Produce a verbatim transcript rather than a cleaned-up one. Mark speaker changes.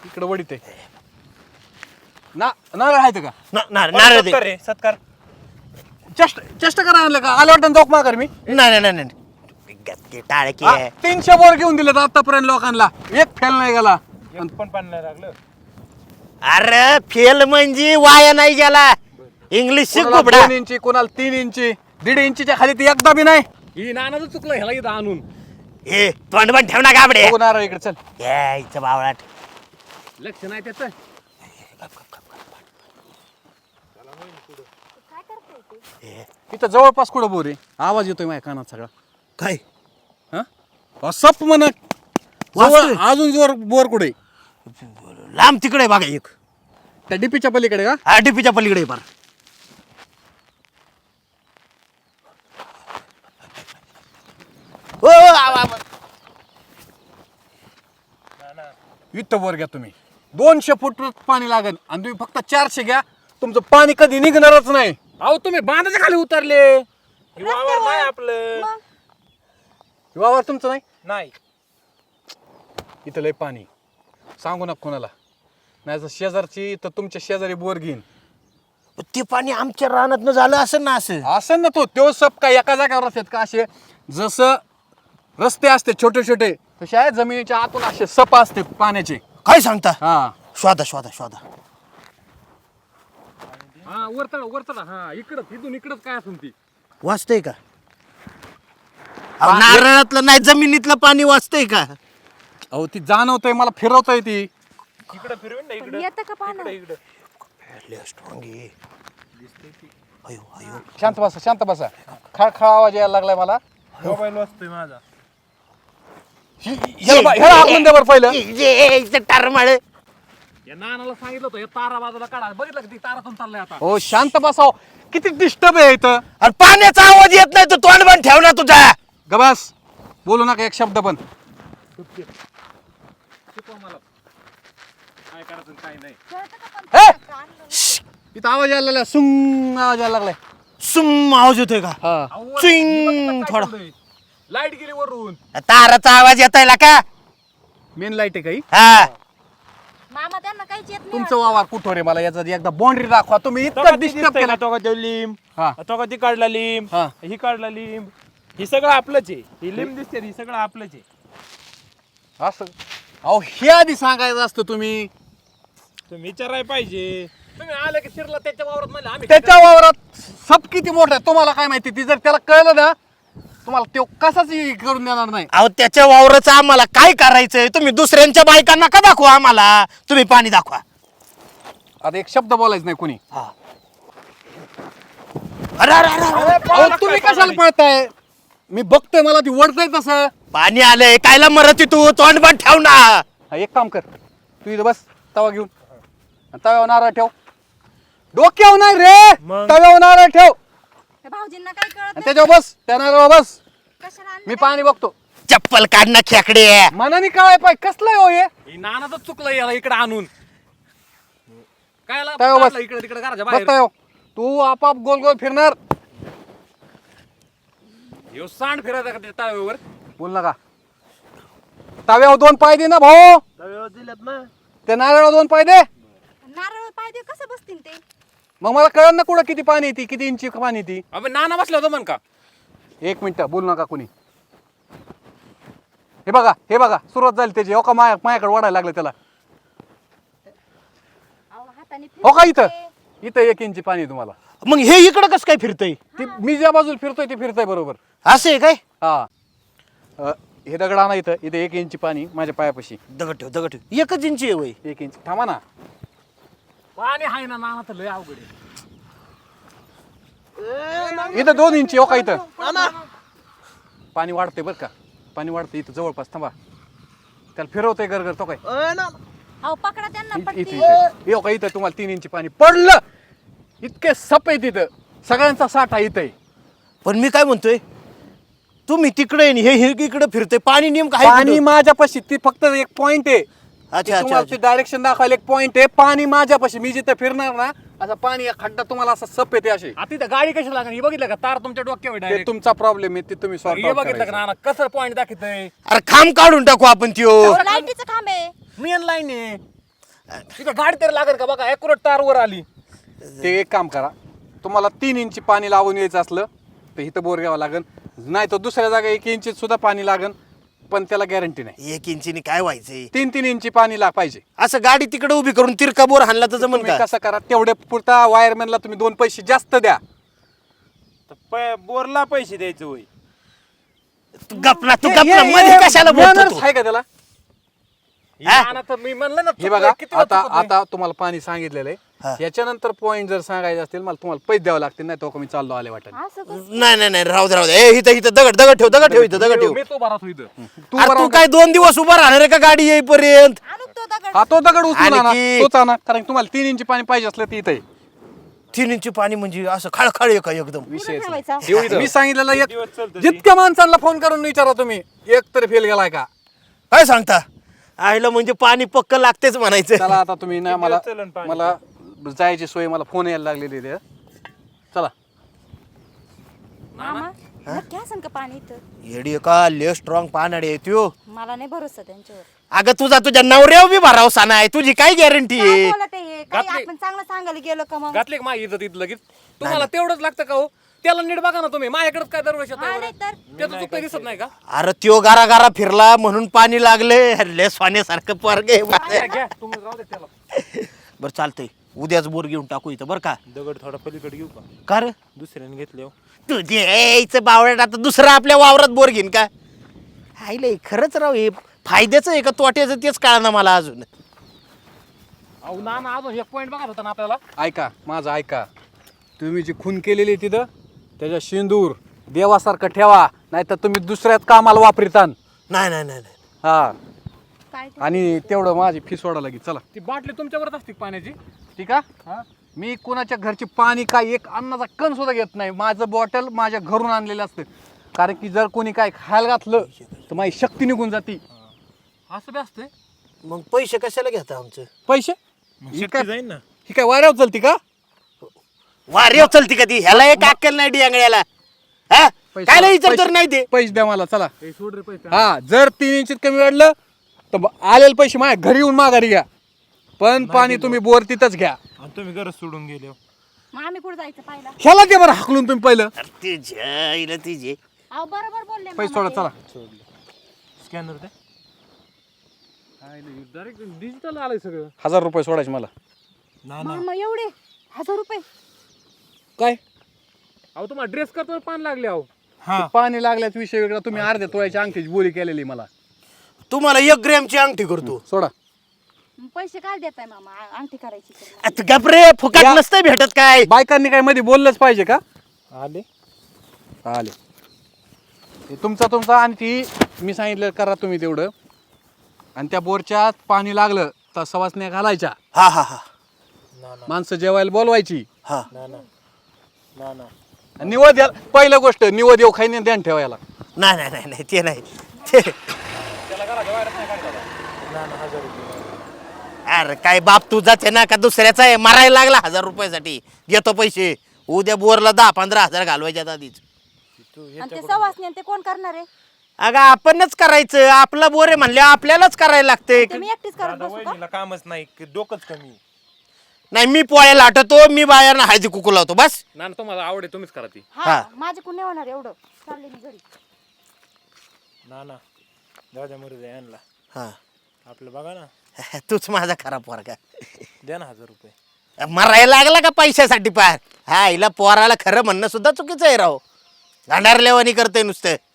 Speaker 1: इकडे वडीत आहे ना नारळ आहेत का
Speaker 2: नारळ दे.
Speaker 3: सत्कार रे सत्कार.
Speaker 1: चष्ट चष्ट करा आणलं का आलं वाटतं जोक माघार मी
Speaker 2: नाही नाही नाही नाही टाळकी
Speaker 1: हा,
Speaker 2: आहे.
Speaker 1: तीनशे बोर घेऊन दिलेत आतापर्यंत लोकांना एक फेल नाही गेला
Speaker 3: एक पण पाणी नाही लागलं.
Speaker 2: अरे फेल म्हणजे वाया नाही गेला. इंग्लिश शिक
Speaker 1: कोणाला
Speaker 2: गोबडा.
Speaker 1: दोन इंची कोणाला तीन इंची दीड इंचीच्या खाली ती एकदा बी नाही ही नानाचं चुकलं ह्याला इथं आणून
Speaker 2: ए तोंड पण ठेव ना गाबडे.
Speaker 1: बघू नारळ इकडे चल
Speaker 2: यायचं बावळाट.
Speaker 1: लक्ष नाही त्याचं इथं जवळपास कुठं बोर आहे आवाज येतोय माझ्या कानात सगळा
Speaker 2: काय
Speaker 1: हा सप म्हण
Speaker 2: वाजतोय.
Speaker 1: अजून जोर बोर कुठे
Speaker 2: लांब तिकडे बघा एक.
Speaker 1: त्या डीपीच्या पलीकडे का
Speaker 2: आरडीपीच्या पलीकडे पार. ओ आव, आव.
Speaker 1: इथं वर घ्या तुम्ही दोनशे फूट पाणी लागेल आणि तुम्ही फक्त चारशे घ्या तुमचं पाणी कधी निघणारच नाही अहो तुम्ही बांधाच्या खाली उतरले
Speaker 3: हे वावर नाही आपलं.
Speaker 1: वावर तुमचं नाही
Speaker 3: नाही.
Speaker 1: इथं लय पाणी सांगू नका कोणाला नाही तर शेजारची तर तुमच्या शेजारी बोर घेईन
Speaker 2: ते पाणी आमच्या रानात झालं असं ना असं.
Speaker 1: असं ना तो तो सप काय एका जागेवर असतात का असे जसं रस्ते असते छोटे छोटे तसे आहे जमिनीच्या आतून असे सप असते पाण्याचे
Speaker 2: काय सांगता.
Speaker 1: हा
Speaker 2: शोधा शोधा शोधा.
Speaker 1: हा वरतडा वरतडा हा इकडं इथून इकडंच काय असून ती
Speaker 2: वाचतंय का. अहो, नारळातलं नाही जमिनीतलं पाणी वाचतंय का.
Speaker 1: अहो ती जाणवतंय मला फिरवतंय ती
Speaker 3: इकडं फिरवीन ना इकडं.
Speaker 4: येतं का पाणी?
Speaker 3: इकडं इकडं.
Speaker 2: स्ट्रॉंग आहे. अयो अयो.
Speaker 1: शांत बसा शांत बसा खळखळ आवाज यायला लागलाय मला
Speaker 3: मोबाईल वाजतोय माझा.
Speaker 1: ह्याला बा- ह्याला हाकलून द्या बरं पहिलं
Speaker 2: टारमाळ.
Speaker 1: या नानाला सांगितलं होतं तारा बाजूला काढा बघितलं ती तारातून चाललाय आता हो शांत बसाव किती डिस्टर्ब आहे इथं
Speaker 2: अरे पाण्याचा आवाज येत नाही तर तोंड पण ठेव ना तुझा.
Speaker 1: गबास बोलू नका एक शब्द पण काय करायचं काय नाही इथं आवाज यायला लागला सुंग आवाज यायला लागलाय
Speaker 2: सुम आवाज येतोय का.
Speaker 1: हा
Speaker 2: चिंग थोडा.
Speaker 1: लाईट गेली वरून
Speaker 2: ताराचा आवाज येतोय का.
Speaker 1: मेन लाईट आहे काही
Speaker 2: हा
Speaker 4: मामा त्यांना काहीच येत नाही
Speaker 1: तुमचं वावर कुठं रे मला याचा एकदा बाउंड्री दाखवा तुम्ही
Speaker 3: तो का
Speaker 1: इतकं
Speaker 3: ती
Speaker 1: डिस्टर्ब
Speaker 3: दिसतंय
Speaker 1: केला
Speaker 3: का, तो का तो लिंब
Speaker 1: हा
Speaker 3: तो का ती काढला लिंब
Speaker 1: हा.
Speaker 3: ही काढला लिंब ही सगळं आपलंच आहे. ही लिंब दिसते ही सगळं आपलंच आहे.
Speaker 1: असं अहो हे आधी सांगायचं असतं तुम्ही
Speaker 3: तुम्ही विचारायला पाहिजे.
Speaker 1: तुम्ही आले की शिरला त्याच्या वावरात म्हणलं आम्ही त्याच्या वावरात सब किती मोठा आहे तुम्हाला काय माहिती ती जर त्याला कळलं ना तुम्हाला तो कसाच करून देणार नाही
Speaker 2: अहो त्याच्या वावराचं आम्हाला काय करायचंय. तुम्ही दुसऱ्यांच्या बायकांना का दाखवा आम्हाला. तुम्ही पाणी दाखवा.
Speaker 1: आता एक शब्द बोलायचं नाही कोणी
Speaker 2: अरे अरे अरे, अरे.
Speaker 1: अहो तुम्ही कशाला पळताय मी बघतोय मला ती वडतंय तसं
Speaker 2: पाणी आलंय कायला मरती तू. तोंड पण ठेव ना.
Speaker 1: हा, एक काम कर तू इथं बस तवा घेऊन आणि तव्यावर नारळ ठेव डोक्यावर नाही रे
Speaker 3: मग?
Speaker 1: तव्यावर नारळ ठेव
Speaker 4: त्या भाऊजींना काही कळत
Speaker 1: आणि
Speaker 4: नाही
Speaker 1: त्याच्यावर बस त्या नारळावर बस
Speaker 4: कशाला आणलं
Speaker 1: मी
Speaker 4: काय?
Speaker 1: पाणी बघतो
Speaker 2: चप्पल काढणं खेकडे.
Speaker 1: मनाने काय पाय कसलंय हो हे नानाच चुकलं याला इकडे आणून काय बस इकडे तिकडे बस तव्यावर. तू आपाप गोल गोल फिरणार ह्यो सांड फिरायचा का त्या तव्यावर बोल नका तव्यावर दोन पाय दे ना भाऊ
Speaker 3: दिलेत ना.
Speaker 1: त्या नारळावर दोन पाय दे
Speaker 4: नारळ पाय देऊ कसं बसतील ते
Speaker 1: मग मला कळलं ना कुठं किती पाणी येते किती इंची पाणी येते अबे नाना बसला होता म्हण का एक मिनिट बोलू नका कुणी हे बघा हे बघा सुरुवात झाली त्याची हो का माया माझ्याकडे वाढायला लागलं त्याला
Speaker 4: अहो, हाताने
Speaker 1: हो का
Speaker 4: फिरवते.
Speaker 1: इथं इथं एक इंची पाणी आहे तुम्हाला
Speaker 2: मग हे इकडं कसं काय फिरतय.
Speaker 1: ती मी ज्या बाजूला फिरतोय ते फिरतोय बरोबर
Speaker 2: असं आहे काय.
Speaker 1: हा अ, हे दगड आणा इथं इथे एक इंची पाणी माझ्या पायापाशी
Speaker 2: दगड ठेव दगड ठेव. एकच इंची आहे वय.
Speaker 1: एक इंच थांबा ना पाणी आहे ना नाना तर लय अवघड आहे. इथं दोन इंची हो का इथं पाणी वाढते बरं का पाणी वाढते इथं जवळपास थांबा त्याला फिरवतोय गरगर तो काय
Speaker 4: अहो पकडा त्यांना
Speaker 1: इथं
Speaker 4: पटकी.
Speaker 1: इथं हो का इथं तुम्हाला तीन इंची पाणी पडलं इतके सप आहे तिथं सगळ्यांचा साठा इथं आहे.
Speaker 2: पण मी काय म्हणतोय तुम्ही तिकडे आणि हे हे इकडे फिरतोय. पाणी नेमकं आहे
Speaker 1: पाणी
Speaker 2: कुठं?
Speaker 1: माझ्यापाशी ती फक्त एक पॉइंट आहे
Speaker 2: अच्छा अच्छा
Speaker 1: तुम्हाला डायरेक्शन दाखवायला एक पॉइंट आहे पाणी माझ्यापाशी मी जिथं फिरणार ना असं पाणी खड्डा तुम्हाला असं सप येते असे
Speaker 5: आता इथं गाडी कशी लागणार हे बघितलं का तार तुमच्या डोक्यावर
Speaker 1: ते
Speaker 5: डायरेक्ट
Speaker 1: तुमचा प्रॉब्लेम आहे ते तुम्ही
Speaker 5: हे
Speaker 1: सॉल्व्ह
Speaker 5: बघितलं का नाना कसं पॉईंट दाखवतंय
Speaker 2: अरे खांब काढून टाकू आपण त्यो.
Speaker 4: लाईटीचं खांब आहे
Speaker 5: मेन लाईन आहे तिथं गाडी तरी लागेल का बघा ॲक्युरेट तार वर आली.
Speaker 1: ते एक काम करा, तुम्हाला तीन इंची पाणी लावून यायचं असलं तर इथं बोर घ्यावं लागेल, नाही तर दुसऱ्या जागा एक इंची सुद्धा पाणी लागेल, पण त्याला गॅरंटी नाही.
Speaker 2: एक इंचीने काय व्हायचंय?
Speaker 1: तीन तीन इंची पाणी ला पाहिजे.
Speaker 2: असं गाडी तिकडे उभी करून तिरका बोर हाणला तर जमन
Speaker 1: तुम्ही
Speaker 2: का?
Speaker 1: कसं करा, तेवढे पुरता वायरमॅनला तुम्ही दोन पैसे जास्त द्या.
Speaker 3: तर प- बोरला पैसे द्यायचं होय.
Speaker 2: तू गपना तू
Speaker 1: हे-
Speaker 2: गपना
Speaker 1: हे-
Speaker 2: मध्ये
Speaker 1: हे
Speaker 2: कशाला बोलतो
Speaker 1: manners
Speaker 2: तू?
Speaker 1: आहे का त्याला?
Speaker 5: ही नाना तर मी म्हणलं ना
Speaker 1: हे
Speaker 5: चुकलंय,
Speaker 1: बघा,
Speaker 5: किती वेळा
Speaker 1: आता
Speaker 5: चुकत नाही.
Speaker 1: आता तुम्हाला पाणी सांगितलेलं
Speaker 2: हा.
Speaker 1: आहे, याच्यानंतर पॉईंट जर सांगायचे असतील मला तुम्हाला पैसे द्यावे लागतील, नाही तो मी चाललो आले वाटत.
Speaker 4: असं कसं?
Speaker 2: नाही नाही नाही राहू दे राहू दे. ए इथं इथं दगड दगड ठेव दगड ठेव इथं दगड ठेव.
Speaker 5: मी तो भरात होईल.
Speaker 1: तू
Speaker 2: अरे तू
Speaker 1: बरोबर
Speaker 2: काय दोन दिवस उभा राहणार आहे का गाडी येईपर्यंत?
Speaker 4: आणू तो दगड.
Speaker 1: हा तो दगड उचलून आणा,
Speaker 2: आणखी-
Speaker 1: तोच आणा, कारण तुम्हाला तीन इंची पाणी पाहिजे असलं तर इथे
Speaker 2: तीन इंची पाणी म्हणजे असं खळखळ आहे का एकदम?
Speaker 4: कुठं ठेवायचा?
Speaker 1: मी सांगितलेलं
Speaker 3: दिवस
Speaker 1: एक
Speaker 3: चालतं ते.
Speaker 1: जितक्या माणसांना फोन करून विचारा तुम्ही, एक तरी फेल गेलाय का.
Speaker 2: काय सांगता? आईला म्हणजे पाणी पक्क लागतेच म्हणायचं.
Speaker 1: चला आता तुम्ही ना मला
Speaker 3: दिवस चलन पाणी?
Speaker 1: मला जायची सोय, मला फोन यायला लागलेली आहे. चला
Speaker 4: मामा नक्की असेल का पाणी इथं?
Speaker 2: येडी का ले स्ट्रॉंग पानाडी आहे त्यो.
Speaker 4: मला नाही भरोसा त्यांच्यावर.
Speaker 2: अगं तुझा तुझ्या नवऱ्यावर बी भरावसा नाही, तुझी काय गॅरंटी
Speaker 4: काय
Speaker 2: आहे?
Speaker 4: बोलत आहे हे? काही
Speaker 5: घातली.
Speaker 4: आपण चांगलं सांगायला गेलो का मग?
Speaker 5: घातले का माझी इज्जत इथं लगेच? तुम्हाला तेवढंच लागतं का हो? त्याला नीट बघा ना तुम्ही, माझ्याकडे काय दरवर्षी
Speaker 4: हा, नाही तर.
Speaker 5: त्याचं चुकतं दिसत नाही का?
Speaker 2: अरे त्यो गारा गारा फिरला म्हणून पाणी लागले. ले सोन्यासारखं पोरग आहे माझं.
Speaker 5: घ्या तुम्ही राहू दे त्याला.
Speaker 2: बरं चालतंय, उद्याच बोर घेऊन टाकू इथं बरं का?
Speaker 3: दगड थोडा पलीकडे घेऊ का?
Speaker 2: का रे?
Speaker 3: दुसऱ्याने घेतले हो.
Speaker 2: तुझे यायचं बावळट आता दुसरं आपल्या वावरात बोर घेईन का? आईले खरंच राव हे फायद्याचं आहे का तोट्याचं तेच कळना मला अजून.
Speaker 5: अहो नाना अजून एक पॉईंट बघा होता ना आपल्याला.
Speaker 1: ऐका माझं ऐका, तुम्ही जी खून केलेली आहे तिथं त्याच्या शेंदूर देवासारखं ठेवा, नाही तर तुम्ही दुसऱ्याच कामाला वापरिता.
Speaker 2: नाही नाही नाही नाही.
Speaker 1: हा,
Speaker 4: काय ते?
Speaker 1: आणि तेवढं माझी फी सोडा लागेल. चला
Speaker 5: ती बाटली तुमच्यावरच असते का पाण्याची?
Speaker 1: ठीक आहे. मी कुणाच्या घरची पाणी काय एक अन्नाचा कण सुद्धा घेत नाही. माझं बॉटल माझ्या घरून आणलेलं असतं, कारण की जर कोणी काय खायला घातलं तर माझी शक्ती निघून जाती.
Speaker 5: असं बी असतंय.
Speaker 2: मग पैसे कशाला घेता आमचं?
Speaker 1: पैसे
Speaker 3: मग
Speaker 1: ही
Speaker 3: शक्ती
Speaker 1: काय
Speaker 3: जाईन ना.
Speaker 1: ही काय वाऱ्यावर चलती का?
Speaker 2: वारेव चलती कधी ह्याला एक अक्कल नाही डियांगड्याला. हा
Speaker 1: पैसे-
Speaker 2: काय विचार तर
Speaker 1: पैसे-
Speaker 2: नाही ते.
Speaker 1: पैसे द्या मला. चला
Speaker 5: ए, सोड रे पैसे.
Speaker 1: हा, जर तीन इंचित कमी वाढलं तर ब- आलेले पैसे माझ्या घरी येऊन माघारी घ्या, पण पाणी तुम्ही बोर तिथंच घ्या.
Speaker 3: आणि तुम्ही गरज सोडून गेले हो.
Speaker 4: मग आम्ही कुठं जायचं पाहिला?
Speaker 1: ह्याला ते बरं हाकलून तुम्ही पहिलं.
Speaker 2: अरे तुझ्या आईला तुझे
Speaker 4: अहो बरोबर बोलले
Speaker 1: पैसे
Speaker 4: मामा
Speaker 1: सोडा.
Speaker 4: ते.
Speaker 1: चला
Speaker 3: स्कॅनर द्या.
Speaker 5: डायरेक्ट डिजिटल आलंय सगळं.
Speaker 1: हजार रुपये सोडायचे मला.
Speaker 3: ना ना
Speaker 4: मामा एवढे हजार रुपये?
Speaker 1: काय
Speaker 5: अहो तुम्हाला ड्रेस करतो पान लागले अहो.
Speaker 3: हा
Speaker 1: पाणी लागल्याच विषय वेगळा. तुम्ही अर्ध्या तोळ्याची अंगठीची बोली केलेली मला.
Speaker 2: तुम्हाला एक ग्रॅमची अंगठी करतो.
Speaker 1: सोडा.
Speaker 4: मग पैसे काय देताय मामा आ- अंगठी करायची तर?
Speaker 2: आता गपरे फुकट
Speaker 1: या-
Speaker 2: नसतंय भेटत काय?
Speaker 1: बायकांनी काय मध्ये बोललंच पाहिजे का?
Speaker 3: आले.
Speaker 1: आले हे तुमचा तुमचा, आणि ती मी सांगितलं करा तुम्ही तेवढं. आणि त्या बोरच्या पाणी लागलं तर सवासण्या घालायच्या,
Speaker 2: हा हा हा
Speaker 3: ना ना
Speaker 1: माणसं जेवायला बोलवायची.
Speaker 2: हा
Speaker 3: ना ना ना ना.
Speaker 1: आणि निवद या- पहिलं गोष्ट निवद येऊ खाईने ध्यान ठेवायला.
Speaker 2: नाही नाही नाही नाही ते नाही ते.
Speaker 3: ना ना हजार रुपये.
Speaker 2: अरे काय बाप तू जाते ना का दुसऱ्याचा आहे? मारायला लागला हजार रुपयासाठी घेतो पैसे. उद्या बोरला दहा पंधरा हजार घालवायच्यात आधीच.
Speaker 4: आणि ते सवासणी आणि ते कोण करणार आहे?
Speaker 2: अगं आपणच करायचं, आपला बोर आहे म्हणले आपल्यालाच करायला लागते.
Speaker 4: ते मी एकटीच करत
Speaker 3: दादा
Speaker 4: बसू का?
Speaker 3: वहिनीला कामच नाही, डोकंच कमी.
Speaker 2: नाही मी पोळ्याला आटतो, मी बायांना हळदी कुकू लावतो बस.
Speaker 5: नाना तुम्हाला आवड आहे तुम्हीच करा ती.
Speaker 4: हा
Speaker 2: हा.
Speaker 4: माझे कोण नाही होणार एवढं. चालले मी घरी.
Speaker 3: ना ना दादा मरू यांना
Speaker 2: हा
Speaker 3: आपलं बघा ना.
Speaker 2: तूच माझा खरा पोरगा.
Speaker 3: द्या ना हजार रुपये.
Speaker 2: मरायला लागला का पैशासाठी पार? हा हिला पोराला खरं म्हणणं सुद्धा चुकीचं आहे राव. गांडारलेवानी करते नुसतं.